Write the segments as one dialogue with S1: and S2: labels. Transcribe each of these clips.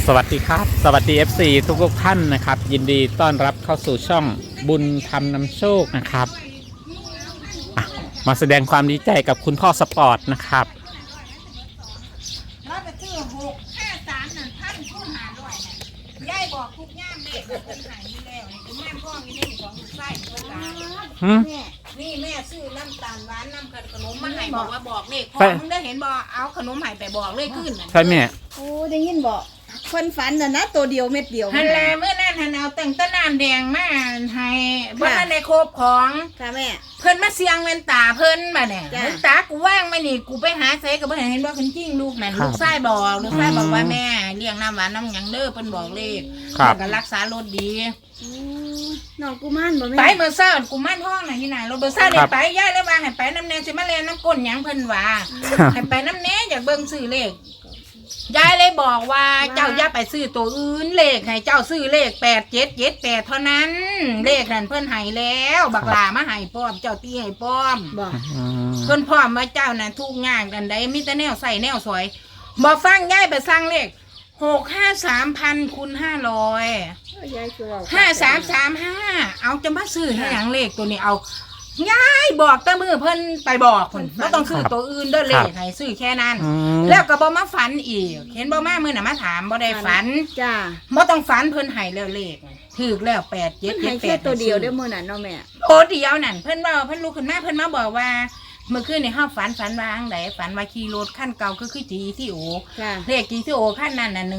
S1: สวัสดีครับสวัสดี FC ทุกท่านนะครับยินดีต้อนรับเข้าสู่ช่องบุญธรรมนำโชคนะครับมาแสดงความดีใจกับคุณพ่อสปอร์ตนะครับ
S2: เราไปซื้อ653นั่นพันคูณ500น่ะยายบอกทุกย่ามเลขมันเป็นหายอยู่แล้วนี่คือแม่พ่อมีนี่ของลูกไส้เพิ่นตานี่แม่ซื้อน้ำตาลหวานน้ำขนมมาให้บอกว่าบอกเลขพ่อมึงได้เห็นบ่เอาขนมให้ไปบอกเลขขึ้นน่ะ
S1: ใช่แม่
S3: โอ้ได้ยินบอกคนฝันน่ะนะตัวเดียวเม็ดเดียว
S2: ฮันแลเมื่อนั้นหันเอาแต่งต้นน้ำแดงมาให้บ่ทันได้ครบของ
S3: ค่ะแม่
S2: เพิ่นมาเสียงแว่นตาเพิ่นมาเนี่ยแว่นตากูว่างไหมนี่กูไปหาใส่ก็บ่เห็นว่าเพิ่นจริงลูกนั่นลูกชายบอกว่าแม่เลี้ยงน้ำหวานน้ำหยังเด้อเพิ่นบอกเลขแล้วก็รักษารถดี
S3: น้องกุมารบ่แม่
S2: ไปเมื่อเช้ากูมั่นห้องน่ะที่ไหนรถเบอร์ซ่าได้ไปย่าแล้วว่าให้ไปน้ำแน่สิมาเรียนน้ำก้นหยังเพิ่นว่าให้ไปน้ำแน่อยากเบิ่งซื้อเลขยายเลยบอกว่าเจ้าอย่าไปซื้อตัวอื่นเลขให้เจ้าซื้อเลข8778เท่านั้นเลขนั่นเพิ่นให้แล้วบักหลามาให้พร้อมเจ้าตีให้พร้อม
S3: บอก
S2: เพิ่นพร้อมว่าเจ้าน่ะทุกงานกันได้มีแต่แนวใส่แนวสวยบ่ฟังยายไปสั่งเลข653,000 คูณ 500
S3: ยายคือว่า
S2: 5335เอาจะมาซื้อให้หยังเลขตัวนี้เอายายบอกแต่มือเพิ่นไปบอกเพิ่นบ่ต้องซื้อตัวอื่นเด้อเลขให้ซื้อแค่นั้นแล้วก็บ่มาฝันอีกเห็นบ่มามื้อน่ะมาถามบ่ได้ฝัน
S3: จ้า
S2: บ่ต้องฝันเพิ่นให้แล้วเลขถูกแล้ว
S3: 8778ตัวเดียวได้มื้อนั้นเนาะแม่
S2: โอ้เดียวนั่นเพิ่นว่าเพิ่นลุกขึ้นมาเพิ่นมาบอกว่าเมื่อคืนในห้องฝันว่าจังไดฝันว่าขี่รถคันเก่าคือจีที่โอเลขจีที่โอคันนั้นน่ะ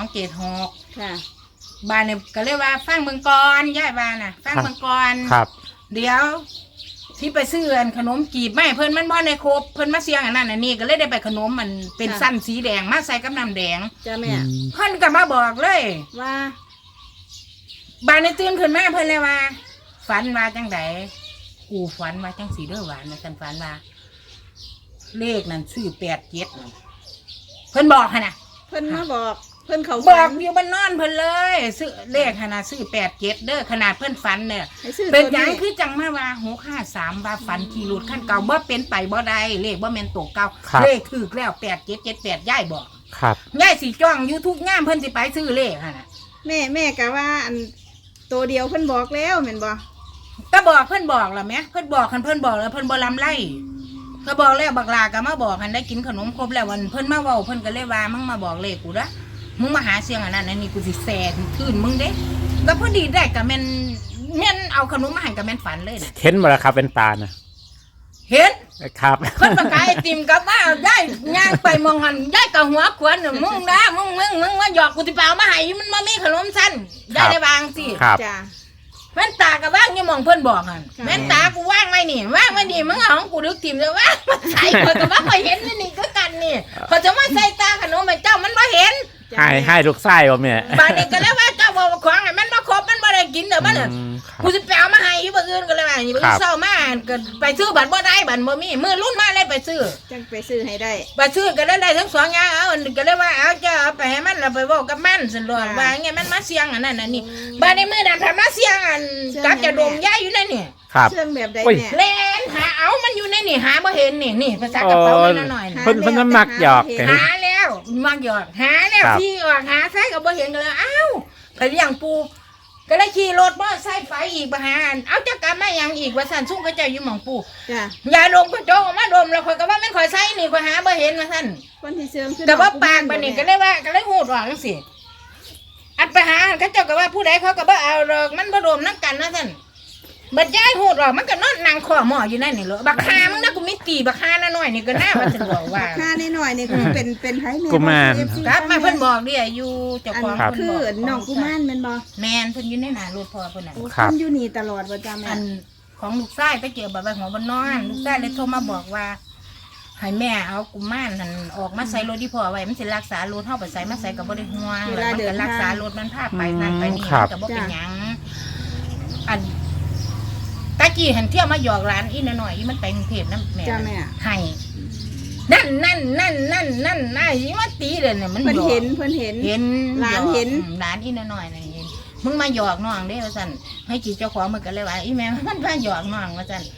S2: 1276
S3: ค่ะ
S2: บ้านเนี่ยก็เลยว่าฟังเบิ่งก่อนยายว่าน่ะฟังเบิ่งก่อน
S1: ครับ
S2: เดี๋ยวที่ไปซื้อขนมกีบไม่เพิ่นมันบ่ได้ครบเพิ่นมาเสียงอันนั้นอันนี้ก็เลยได้ไปขนมมันเป็นสั้นสีแดงมาใส่กับน้ำแดง
S3: จ้าแม่
S2: เพิ่นก็มาบอกเลย
S3: ว่า
S2: บ้านในตื่นขึ้นมาเพิ่นเลยว่าฝันว่าจังไดกูฝันว่าจังสีเด้อหวานนะฉันฝันว่าเลขนั้นซื้อ87เพิ่นบอกหั่นน่ะ
S3: เพิ่นมาบอกเพิ่นเขา
S2: บอกอยู่บ้านนอนเพิ่นเลยซื้อเลขขนาดซื้อ87เด้อขนาดเพิ่นฝันเนี่ยเป็นหยังคือจังมาว่า653ว่าฝันขี่รถคันเก่าบ่เป็นไปบ่ได้เลขบ่แม่นตกเก่าเลขถูกแล้ว8778ยายบอก
S1: ครับ
S2: ยายสิจ้องอยู่ทุกงามเพิ่นสิไปซื้อเลขหั่นน่ะ
S3: แม่ก็ว่าอันตัวเดียวเพิ่นบอกแล้วแม่นบ่
S2: ก็บอกเพิ่นบอกล่ะแม่เพิ่นบอกคันเพิ่นบอกแล้วเพิ่นบ่ลำไล่ก็บอกแล้วบักลาก็มาบอกคันได้กินขนมครบแล้ววันเพิ่นมาเว้าเพิ่นก็เลยว่ามึงมาบอกเลขกูละมึงมาหาเสียงอันนั้นอันนี้กูสิแซ่ทื่นมึงเด้ก็พอดีได้ก็แม่นเอาขนมมาให้ก็แม่นฝันเลยน่ะ
S1: เห็นบ่ล่ะครับเป็นตานะ
S2: เห็น
S1: ครับ
S2: เพิ่นประกายไอติมกับว่าได้ย่างไปมองหันได้กับหัวขวนมึงนะมึงว่าหยอกกูสิเปล่ามาให้มันบ่มีขนมสั้นได้ได้บางสิ
S3: จ้า
S2: แม่นตากับว่างยังมองเพื่อนบอกหันแม่นตากูว่างไว้นี่ว่างไว้นี่มึงเอาของกูดึกถิ่มเลยว่ามันใส่คนกับว่าไม่เห็นนี่ก็กันนี่พอจะมาใส่ตาขนมไปเจ้ามันไม่เห็น
S1: ให้ลูกไส้บ่แม่
S2: บาดนี้ก็เลยว่าเจ้าบอกของไอ้มันมาครบมันไม่ได้กินเดี๋ยวมันกูจะไปเอามาให้ยี่บ้อื่นก็เลยว่ายี่บ้เศร้ามากก็ไปซื้อบัตรบ่ได้บัตรบ่มีมือรุ่นมาเลยไปซื้อ
S3: จังไปซื้อให้ได้
S2: ไปซื้อก็ได้ทั้งสองอย่างเอาก็เลยว่าเอาเจ้าเอาไปให้มันเราไปบอกกับมันสิหลอกว่าไงมันมาเสียงอันนั้นอันนี้บาดนี้มือดันทำมาเสียงอันกับจะดมย่าอยู่ในนี่
S3: เชื่องแบบใดเนี่ย
S2: เล่นหาเอามันอยู่ในนี่หาบ่เห็นนี่ภาษากระเป๋ามันหน่อย
S1: เพิ่นมักหยอก
S2: หาแล้วมักหยอกหาแล้วที่ออกหาใส่ก็บ่เห็นก็เลยอ้าวไปเลี้ยงปูก็เลยขี่รถมอไซค์ไฟอีกมาหาเอาจักกลับมายังอีกว่าสั่นซุ่มก็จะอยู่หม่องปูอย่าดมก็โจงมาดมแล้วข่อยก็ว่ามันข่อยใส่นี่ข่อยหาบ่เห็นว่าสั่น
S3: คนที่เชื่อง
S2: แต่ว่าปากบัดนี้ก็เลยว่าก็เลยหูดออกจังซี่อันไปหาเขาเจ้าก็ว่าผู้ใดเขาก็บ่เอาดอกมันบ่ดมนำกันว่าสั่นบัดย้ายหูดออกมันก็นอนนั่งคอหม้ออยู่นั่นนี่เหรอบักฮามึงนะกูมีตีบักฮาน้อยนี่ก็น่าว่าจะบอกว่า
S3: บักฮาน้อยนี่คือเป็นไผแม่
S1: กุมาร
S2: ครับมาเพิ่นบอกดิอยู่เจ้าของ
S3: เพิ่นบอกคือน้องกุมารแม่นบ่
S2: แม่นเพิ่นอยู่ในหน้ารถพ่อเพิ่นน่ะ
S3: เพิ่นอยู่นี่ตลอดบ่จ้าแม่
S2: อันของลูกชายไปเจอบัดหัวบ่นอนลูกชายเลยโทรมาบอกว่าให้แม่เอากุมารนั่นออกมาใส่รถที่พ่อไว้มันสิรักษารถเฮาไปใส่มาใส่ก็บ่ได้ห่วงแล้วมันก็รักษารถมันพาไปนั่นไปนี่มันก็บ่เป็นหยังอันตะกี้หันเที่ยวมาหยอกร้านอีน้อยๆอีมันไปกรุงเทพนะแม่ให้นั่นน่าอีมาตีเลยเนี่ยมัน
S3: เพิ่นเห็น
S2: ร้านเห็นร้านอีน้อยๆนี่เห็นมึงมาหยอกน้องเด้ว่าซั่นให้จีเจ้าของมันก็เลยว่าอีแม่มันพาหยอกน้องว่าซั่น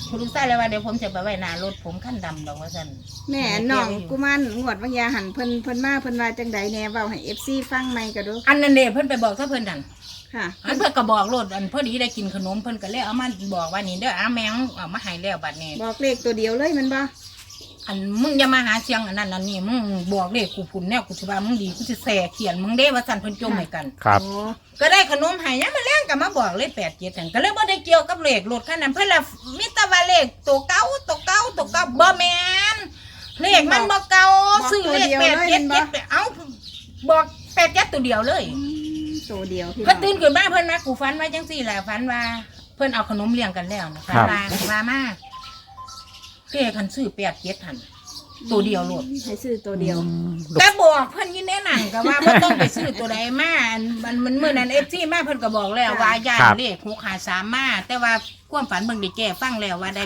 S2: คุณลูกชายเลยว่าเดี๋ยวผมจะไปไว้หน้ารถผมขั้นดำดอกว่าซั่น
S3: แม่น้องกุมารงวดวิญญาหันเพิ่นมาเพิ่นว่าจังใดแน่เว้าให้ FC ฟังใหม่ก็ดู
S2: อันนั้นเด้เพิ่นไปบอกถ้าเพิ่นนั่น
S3: ค่ะ
S2: อันเพิ่นก็บอกโลดอันพอดีได้กินขนมเพิ่นก็เลยเอามาบอกว่านี่เด้ออาแมงเอามาให้แล้วบัดนี้
S3: บอกเลขตัวเดียวเลยแมันบ่
S2: อันมึงอย่ามาหาเสียงอันนั้นอันนี้มึงบอกเลขกูพุ่นแนวกูสิว่ามึงดีกูสิแส่เขียนมึงเด้ว่าซั่นเพิ่นจมให้กัน
S1: ครับ
S3: โอ้
S2: ก็ได้ขนมให้ยังมาแรงก็มาบอกเลย87นั่นก็เลยบ่ได้เกี่ยวกับเลขรถคันนั้นเพิ่นละมีแต่ว่าเลขตัวเก่าบ่แม่นเลขมันบ่เก่าซื้อเลข877ไปเอ้าบอก87ตัวเดียวเลย
S3: ตัวเดียวพี่น้
S2: เพิ่
S3: อน ง
S2: ตื่นขึ้นมาเพิ่นมากูฝันว่าจังซี่แหละฝันว่าเพิ่นเอาขนมเลี้ยงกันแล้วนะฝันว่ามาเก้คันซื้อ87หั่นตัวเดียวโลด
S3: ให้ซื้อตัวเดียว
S2: แต่บอกเพิ่นอยินแน่นั่นก็ว่าบ่ต้องไปซื้อตัวใดมามันมื้อนั้น FC มาเพิ่นก็บอกแล้วว่าย่านเลข653มาแต่ว่าความฝันเบิ่งได้แก้ฟังแล้วว่าได้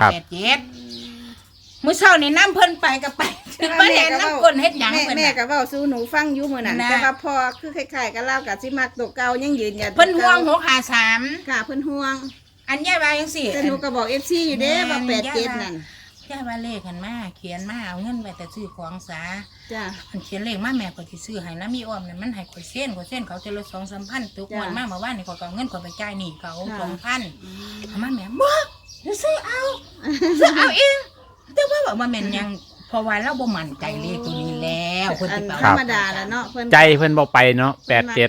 S2: 87มื้อเช้านี่นำเพิ่นไปก็ไปบ่เห็นนำคนเฮ็ดหยังเพิ่น
S3: แม่
S2: น่ะ
S3: ก็เว้าสู่หนูฟังอยู่มื้อนั้น
S2: นะ
S3: แต่ว่าพอคือคล้ายๆกับเล่ากับสิมักตัวเก่ายังยืนยัน
S2: เพิ่นห่วง653
S3: ค่ะเพิ่นห่วง
S2: อันยายว่าจังซี่
S3: แต่หนูก็บอก FC อยู่เด้ว่า87นั่น
S2: ยายว่าเลขกันมาเขียนมาเอาเงินไปแต่ซื้อของซะ
S3: จ้ะ
S2: อันเขียนเลขมาแม่ก็สิซื้อให้นะมีอ้อมนั่นมันให้ข่อยเส้นเขาจะลด2-3,000ตุกวันมาเมื่อวานนี่ข่อยก็เอาเงินข่อยไปจ่ายหนี้เขา 2,000เอามาแม่บ่เดี๋ยวซื้อเอาเองแต่ว่าบอกว่าแม่นยังเพราะว่าเราบ่มั่นใจเลขตัวนี้แล้วเพิ่น
S3: อั
S2: สิ
S3: น
S2: ไป
S3: ธร
S2: เอา
S3: รมดาแล้วเนาะเพิ่น
S1: ใจเพิ่นบ่ไปเนาะ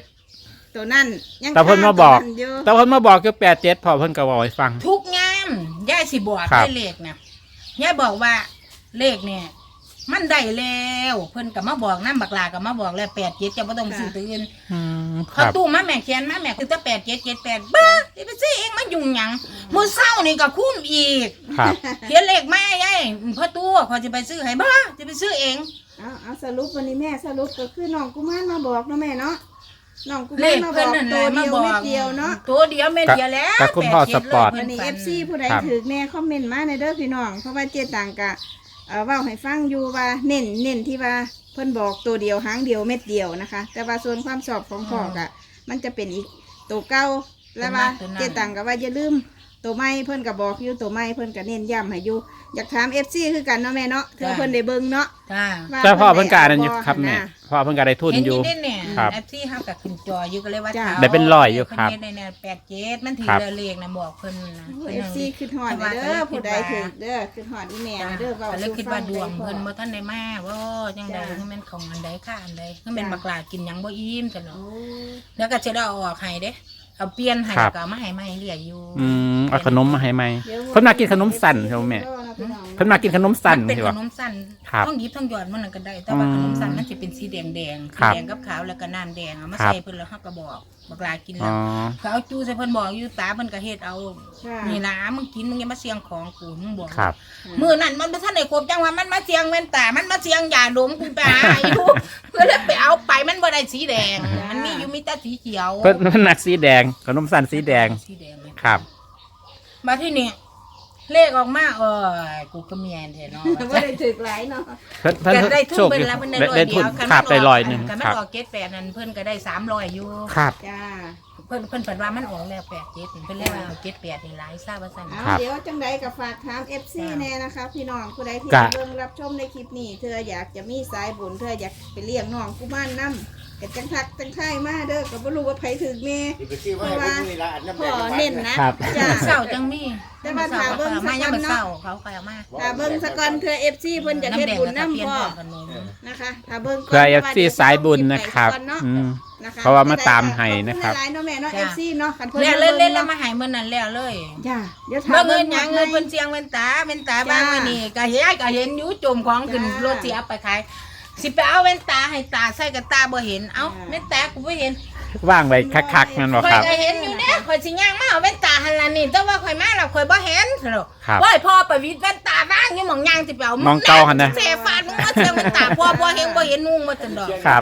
S1: 87
S3: ตัวนั้นยัง
S1: แต่เพิ่นมาบอก
S3: ตัวนั้นอยู่
S1: แต่เพิ่นมาบอกคือ87พอเพิ่นก็บอกให้ฟัง
S2: ทุกงามยายสิบอก
S1: ครับ
S2: ได้เลขนะยายบอกว่าเลขเนี่ยมันได้แล้วเพิ่นก็มาบอกน้ำบักลาก็มาบอกแล้ว87จะบ่ต้องซื้อตัวอื่น
S1: ค
S2: เขา
S1: รับ
S2: ตู้มาแม่เขียนมาแม่คือจะ8778บ้าสิไปซื้อเองมายุ่งหยังมื้อเช้านี่ก็คุ้มอีก
S1: ครับ
S2: เขียนเลขมายายพ่อตู้เขาจะไปซื้อให้บ้าจะไปซื้อเอง
S3: เอาสรุปวันนี้แม่สรุปก็คือน้องกุมารมาบอกเนาะแม่เนาะน้องกุ
S2: เล
S3: มาร
S2: ข
S3: มาบ
S2: เพิ่น
S3: อก
S2: นั่นแห
S3: ตั
S2: ละ
S3: ว
S2: มา
S3: เดียว
S2: บอก
S3: เม็ดเดียวเนาะ
S2: ตัวเดียวเม็ดเดียวแล้ว
S1: กับคุณพ่อสปอร์ต
S3: วันนี้ FC ผู้ใด
S1: ครับ
S3: ถือแม่คอมเมนต์มาในเด้อพี่น้องเพราะว่าเจตังกะเว้าให้ฟังอยู่ว่าเน้นที่ว่าเพิ่นบอกตัวเดียวหางเดียวเม็ดเดียวนะคะ แต่ว่าส่วนความชอบของพ่อกะมันจะเป็นอีกตัวเก่าแล้วว่าเจตังกะว่าอย่าลืมตัวไม่เพิ่นก็บอกอยู่ตัวไม่เพิ่นก็เน้นย้ำให้อยู่อยากถาม FC คือกันเนาะแม่เนาะเธอเพิ่นได้เบิ่งเนาะ
S2: จ้า
S3: ว่า
S1: แต่พ่อเพิ่นก็อันนั้นอยู่
S3: ได้
S1: ครับแม่
S3: นะ
S1: พ่อเพิ่นก็ได้ทุน
S2: เห็น
S1: อยู่
S2: เด่นเนี่ย
S1: ครับ
S2: แอปที่ห้ากับขึ้นจออยู่ก็เลยว่า
S3: จ้ะ
S2: เท้า
S1: ได้เป็นร้อยอยู่ครับ
S2: เพิ่นเฮ็ดใน87มันถือ
S1: ครับ
S2: เลขนะบอกเพิ่นนะ
S3: เอฟซีคือหอดเด้อผู้ใดถึงเด้อคือหอดอีแม่เด้อเว้า
S2: ก็เลยคิดว่าดวง
S3: สู่ฟั
S2: เพิ่น
S3: ได้
S2: บ่ทันได้มาว่าจังได๋คือแม่นของอันใดค่าอันใดคือแม่นบักหลากินหยังบ่อิ่มจังเนาะ
S3: โอ้
S2: แล้วก็จะได้เอาออกให้เด้เอาเปลี่ยนให้
S1: ครั
S2: แล้
S1: บ
S2: วก็เอามาให้ใหม่เรื่อยอยู่
S1: เอาขนมมาให้ไหม
S3: ดี๋ยว
S1: เพิ่นมากินขนมสั่นใช่ไหมแม่ เพิ่นมากินขนมสั่น
S2: มันเป็น
S1: ใช่
S2: ข
S1: ปะ
S2: นมสั้น
S1: ครับ
S2: ต้องหยิบต้องหยอดมันนก็ได้ แต่ว่า
S1: อืม
S2: ขนมสั้นมันจะเป็นสีแดงแดงๆ
S1: ครับ
S2: แดงกับขาวแล้วก็น้ำแดงเอามา
S1: ครับ
S2: ใส่เพิ่นแล้วเฮาก็บอกบักหลากิน
S1: อ๋
S2: แล้
S1: อ
S2: วเขาเอาจูใส่เพิ่นบอกอยู่ตาเพิ่นก็เฮ็ดเอา
S3: ค่ะ
S2: นี่นะมึงกินมึงอย่ามาเสียงของกูมึงบอก
S1: ครับ
S2: มื้อนั้นมันบ่ทันได้ครบจังว่ามันมาเสียงแว่นตามันมาเสียงยาดมกูไปหาอยู่ เพื่อเลยไปเอาไปมันบ่ได้สีแดง มันมีอยู่มีแต่สีเขียว
S1: เพิ่นหนักสีแดงขนมสั่นสีแดง
S2: สีแดงเลย
S1: ครับ
S2: มาที่นี่เลขออกมากูก็เมียนแท้เนาะ
S3: ว่าได้ถึกหลายเนาะ
S1: เพิ่น
S2: ก็ได้ทุ
S1: โช
S2: น
S1: ค
S2: เพิ่
S1: อน ยู่
S2: แล้วเพิ่นได้
S1: ได้
S2: ร้อย
S1: ทุ
S2: เดี
S1: น
S2: ยว
S1: ครับได้ร้อยหนึง
S2: คัน
S1: ค
S2: มั
S1: รั
S2: น
S1: บ
S2: ออก78นั่นเพิ่นก็ได้300อยู่
S1: ครับ
S3: จ้า
S2: เพิ่นเพิ่นว่ามันออกแล้ว87เพิ่นเลยว่าเอา78นี่หลายซะว่าซั่น
S3: เอา
S1: ครับ
S3: เดี๋ยวจังใดก็ฝากถาม FC แน่นะคะพี่น้องผู้ใดที่
S1: กะ
S3: เบิ่งรับชมในคลิปนี้เธออยากจะมีสายบุญเธออยากไปเลี้ยงน้องกุมารนำก็จังทักจังไทยมาเด้อก็บ่รู้ว่าไผถึกแม่
S4: เพราะว่านี่ละอันนั้น
S3: พ่อเน้นนะครับ จ้า
S2: เช้าจังมี
S3: แต่ว่าถ้าเบิ่ง
S2: มายัง
S3: สักวัน
S2: มื้อ
S3: เนาะ
S2: เช้าเขาก็เอามา
S3: ถ้าเบิ่งสะก่อนเธอ FC เพิ่นจะเฮ็ดบุญนำพ่อ
S2: ขนม
S3: นะคะถ้าเบิ่งก่อน
S1: เพื่อ
S3: พราะว่า
S1: FC สายบุญนะครับ
S3: เดี๋ยวจ
S1: อืม
S3: นะคะ
S1: เพราะว่ามาตามให้นะครับ
S3: ขอณหลายๆเนาะแม่เนาะ
S2: จ้ะ
S3: FC เนาะคันเพิ่น
S2: แล้ว
S3: มา
S2: เล่น
S3: บิ่ง
S2: แล้วมาใหายมื้อนั้นแล้วเลย
S3: จ้าเดี๋ยวถาม
S2: เมื่อเงินหยังเงิน
S3: เพิ่
S2: เพิ่นเสียงเว้นตาบ้างไว้นี่ก็เห็นอยู่จมของขึ้นรถสิเอาไปขายสิไปเอาเว้นตาให้ตาใส่กับตาบ่เห็นเอ้าเว้นตากูบ่เห็น
S1: ว่างไว้คักๆนั่นบ่
S2: ข่อย
S1: ครับ
S2: ก็เห็นอยู่เด้ข่อยสิย่างมาเอาเว้นตาหั่นล่ะนี่แต่ว่าข่อยมาแล้วข่อยบ่เห็นเด้อ
S1: ครับ
S2: ว่าพ่อไปวิดเว้นตาบ้างอยู่หม่องย่างสิไปเอา
S1: มองเก่าหั่นนะ
S2: เสฟาดมึงมาเสียงเว้นตาพ่อบ่เห็นนุ่งมาจนดอก
S1: ครับ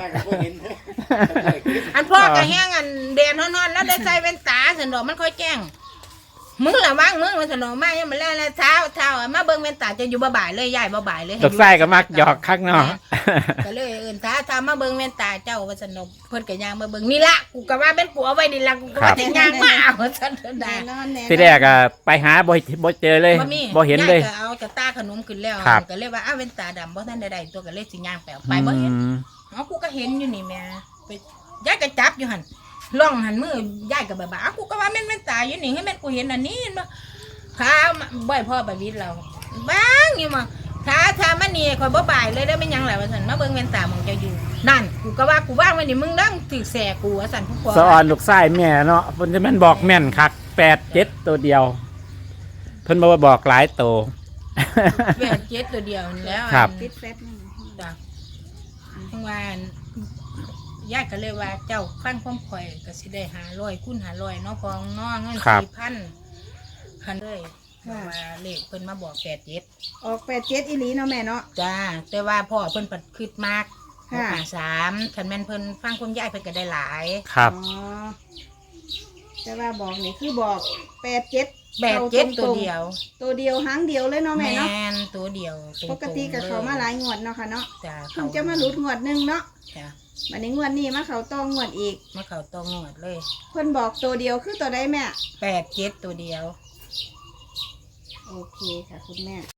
S2: อันพ่อก็แห้งอันแดนนอนๆแล้วได้ใส่เว้นตาซั่นดอกมันค่อยแจ้งมึงละว่างมึงมันสนองมายังมาแล้วเช้ามาเบิ่งแว่นตาจะอยู่บ่ายเลยยายบ่ายเลย
S1: ลูกไส้ก็มักหยอกข้างนอก
S2: ก็เลยเอิ้นท้ามาเบิ่งแว่นตาเจ้าว่าสนองเพิ่นก็ย่างมาเบิ่งนี่ละกูก็ว่าเป็นกูเอาไว้นี่ละกูก็ว่าสิย่างมาเอาซั่นได้
S3: แน่นอนแน่นอน
S1: ที่แรกอะไปหาบ่เจอเลย
S2: บ่มี
S1: บ่เห็นเลย
S2: ยายก็เอากระตาขนมขึ้นแล้ว
S1: ครับ
S2: ก็เลยว่าอ้าวแว่นตาดำบ่ทันได้ตัวก็เลยสิย่างไปเอาไปบ่เห็น
S1: อืม
S2: เอากูก็เห็นอยู่นี่แม่ไปยายก็จับอยู่หั่นล่องหันมือยายก็บ่ากูก็ว่าแม่นตาอยู่นี่ให้แม่นกูเห็นอันนี้บ่ขาบ่อยพ่อไปวิทย์เราบ้างอยู่มาถ้ามันนี่ข่อยบ่บ่ายเลยได้ไม่ยังแหละว่าซั่นมาเบิ่งแว่นตาหมองจะอยู่นั่นกูก็ว่ากูว่างไว้นี่มึงนั่งถือแสกูว่าซั่นผู้ปกครอง
S1: สะออนลูกไส้แม่เนาะเพิ่นจะแม่นบอกแม่นคัก87ตัวเดียว เพิ่นบ่ว่าบอกหลายตัว
S2: แปดเจ็ดตัวเดียวนี่แล้ว
S1: ครับ
S3: ติดแฟตนี่
S2: จ้ะทั้งวันยายก็เลยว่าเจ้าฟังความข่อยก็สิได้500คูณ500เนาะพองเนาะเงิน 4,000คันเลยว่าเลขเพิ่นมาบอก87
S3: ออก87อีหลีเนาะแม่เนาะ
S2: จ้าแต่ว่าพ่อเพิ่นปัดคืดมาก
S3: ค่ะ
S2: 3คันแม่นเพิ่นฟังความยายเพิ่นก็ได้หลาย
S1: ครับ
S3: อ๋อแต่ว่าบอกนี่คือบอก87
S2: 87ตัวเดียว
S3: ตัวเดียวหางเดียวเลยเนาะแม่เนาะ
S2: นตัวเดียวตรงๆ
S3: ปกติกับเขามาหลายงวดเนาะค่ะเนาะ
S2: จ้า
S3: เพิ่งจะมาหลุดงวดหนึงเนาะ
S2: จ้า
S3: วันนี้งวดนี้มาเขาต้องงวดอีก
S2: มาเข้าตองวดเลย
S3: เพิ่นบอกตัวเดียวคือตัวใดแม่
S2: 87ตัวเดียว
S3: โอเคค่ะคุณแม่